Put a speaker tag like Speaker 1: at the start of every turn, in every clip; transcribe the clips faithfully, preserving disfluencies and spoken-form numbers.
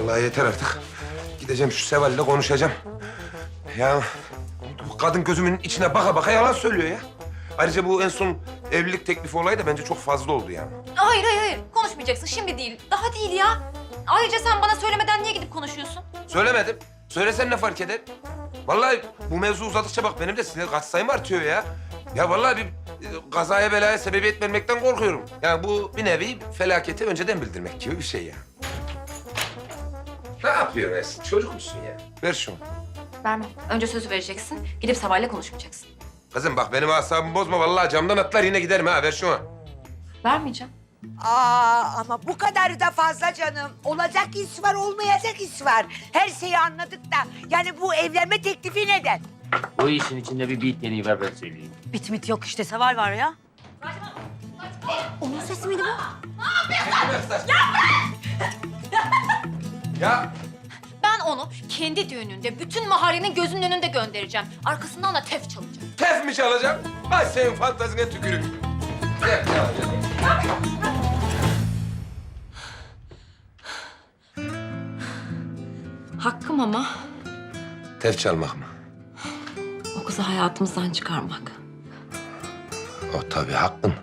Speaker 1: Vallahi yeter artık. Gideceğim şu Seval'le konuşacağım. Ya bu kadın gözümün içine baka baka yalan söylüyor ya. Ayrıca bu en son evlilik teklifi olayı da bence çok fazla oldu yani.
Speaker 2: Hayır hayır hayır konuşmayacaksın şimdi değil. Daha değil ya. Ayrıca sen bana söylemeden niye gidip konuşuyorsun?
Speaker 1: Söylemedim. Söylesen ne fark eder? Vallahi bu mevzu uzadıkça bak benim de sinir katsayım artıyor ya. Ya vallahi bir e, kazaya belaya sebebiyet vermekten korkuyorum. Yani bu bir nevi felaketi önceden bildirmek gibi bir şey ya. Ne yapıyorsun Esin? Çocuk musun ya? Ver şunu.
Speaker 2: Vermem. Önce sözü vereceksin. Gidip Seval'le konuşmayacaksın.
Speaker 1: Kızım bak benim asabımı bozma. Vallahi camdan atlar yine giderim ha. Ver şunu.
Speaker 2: Vermeyeceğim.
Speaker 3: Aa ama bu kadar da fazla canım. Olacak iş var, olmayacak iş var. Her şeyi anladık da. Yani bu evlenme teklifi neden?
Speaker 4: Bu işin içinde bir bit yeniği var ben söyleyeyim.
Speaker 5: Bit mit yok işte, Seval var ya. Onun sesi miydi bu?
Speaker 1: Ya
Speaker 2: Ben onu kendi düğününde bütün mahallenin gözünün önünde göndereceğim. Arkasından da tef çalacağım.
Speaker 1: tef mi çalacağım? Ay senin fantazine tükürüm. Tef çalacağım.
Speaker 2: Hakkım ama
Speaker 1: Tef çalmak mı?
Speaker 2: o kızı hayatımızdan çıkarmak.
Speaker 1: O tabii hakkın.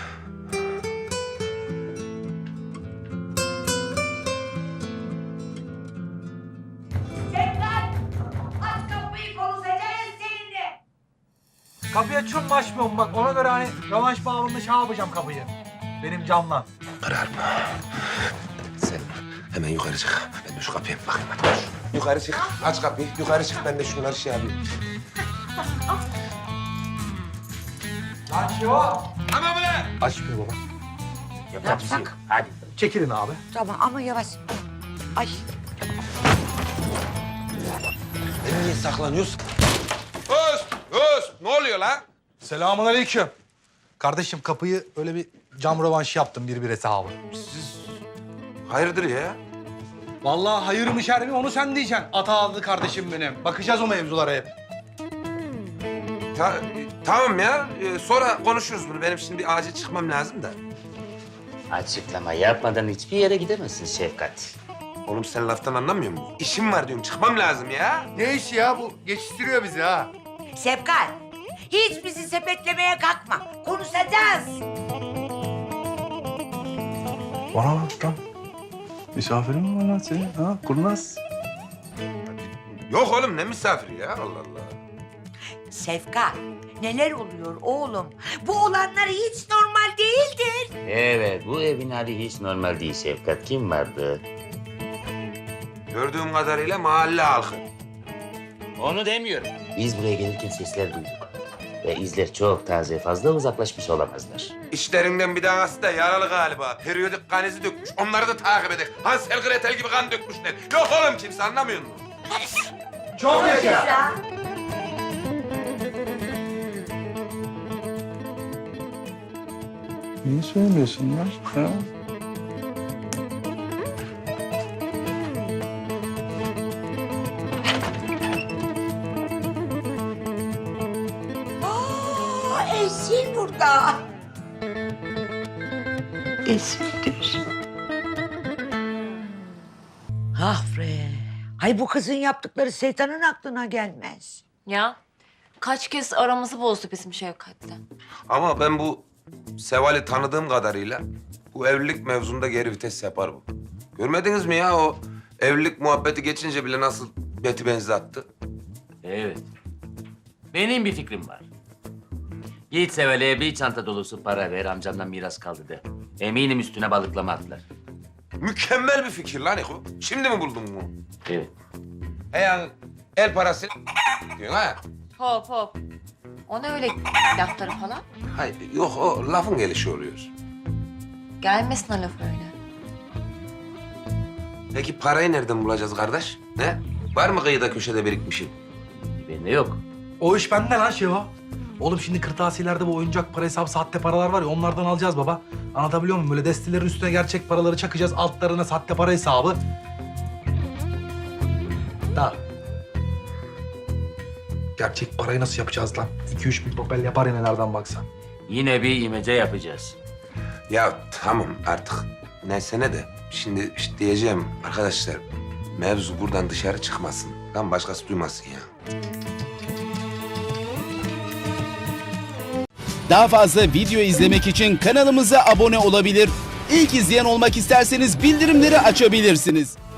Speaker 3: Sevdan! Aç kapıyı konuşacağız seninle.
Speaker 6: Kapıyı açıyor mu açmıyor mu bak ona göre hani rövanş bağımında şey yapacağım kapıyı. Benim camla.
Speaker 1: Kararma. Sen hemen yukarı çık. Ben de şu kapıya bir bakayım. Hadi koş. Yukarı çık. Aç kapıyı. Yukarı çık. Ben de şunları şey yapayım.
Speaker 6: Lan Şivo.
Speaker 1: Tamam mı lan?
Speaker 6: Açmıyor baba.
Speaker 4: Yapacak bir şey yok. Hadi.
Speaker 6: Çekilin abi.
Speaker 3: Tamam ama yavaş. Ay.
Speaker 1: Ben niye saklanıyorsun? Öz! Öz! Ne oluyor lan?
Speaker 6: Selamun aleyküm. Kardeşim kapıyı öyle bir cam rövanşı yaptım bir bir hesabı.
Speaker 1: Hayırdır ya?
Speaker 6: Vallahi hayır mı şer mi onu sen diyeceksin. Ata adlı kardeşim benim. Bakacağız o mevzulara hep.
Speaker 1: Ta- tamam ya. Ee, sonra konuşuruz bunu. Benim şimdi bir acil çıkmam lazım da.
Speaker 4: Açıklama yapmadan hiçbir yere gidemezsin Şefkat.
Speaker 1: Oğlum sen laftan anlamıyor musun? İşim var diyorum. Çıkmam lazım ya.
Speaker 7: Ne iş ya bu? Geçiştiriyor bizi ha.
Speaker 3: Sevkan, hiç bizi sepetlemeye kalkma. Konuşacağız.
Speaker 7: Bana bak lan. Misafirin mi var lan senin? Ha? Kurnaz.
Speaker 1: Yok oğlum ne misafiri ya? Allah Allah.
Speaker 3: Sevkan, neler oluyor oğlum? Bu olanlar hiç normal değildir.
Speaker 4: Evet, bu evin hali hiç normal değil Şefkat. Kim vardı?
Speaker 1: Gördüğüm kadarıyla mahalle halkı.
Speaker 4: Onu demiyorum. Biz buraya gelirken sesler duyduk. Ve izler çok taze, fazla uzaklaşmış olamazlar.
Speaker 1: İşlerinden bir tanesi de yaralı galiba. Periyodik kan izi dökmüş. Onları da takip edek. Hansel Gretel gibi kan dökmüşler. Yok oğlum kimse anlamıyor musun?
Speaker 6: Çok yaşa.
Speaker 7: Niye söylemiyorsun lan? Ha?
Speaker 3: Aa, Esin burada. Esin'dir. Ah bre. Ay bu kızın yaptıkları şeytanın aklına gelmez.
Speaker 2: Ya kaç kez aramızı bozdu bizim Şevkat'le.
Speaker 1: Ama ben bu Seval'i tanıdığım kadarıyla bu evlilik mevzunda geri vites yapar bu. Görmediniz mi ya o evlilik muhabbeti geçince bile nasıl beti benzi attı?
Speaker 4: Evet. Benim bir fikrim var. Git Seval'e bir çanta dolusu para ver, amcamdan miras kaldı de. Eminim üstüne balıklama atlar.
Speaker 1: Mükemmel bir fikir lan Eko. Şimdi mi buldun bunu?
Speaker 4: Evet.
Speaker 1: E yani el parası diyorsun ha?
Speaker 2: Hop hop. O ne öyle lafları falan?
Speaker 1: Hayır yok o lafın gelişi oluyor.
Speaker 2: Gelmesin o laf öyle.
Speaker 1: Peki parayı nereden bulacağız kardeş? Ne? Var mı kıyıda köşede birikmişim?
Speaker 4: Bende yok.
Speaker 6: O iş bende lan Şivo. Oğlum şimdi kırtasiyelerde bu oyuncak para hesabı sahte paralar var ya onlardan alacağız baba. Anlatabiliyor muyum? Böyle destelerin üstüne gerçek paraları çakacağız. Altlarına sahte para hesabı. Da. Gerçek parayı nasıl yapacağız lan? İki üç bin topel yapar ya nelerden baksan.
Speaker 4: Yine bir imece yapacağız.
Speaker 1: Ya tamam artık neyse ne de şimdi işte diyeceğim arkadaşlar mevzu buradan dışarı çıkmasın. Lan başkası duymasın ya.
Speaker 8: Daha fazla video izlemek için kanalımıza abone olabilir. İlk izleyen olmak isterseniz bildirimleri açabilirsiniz.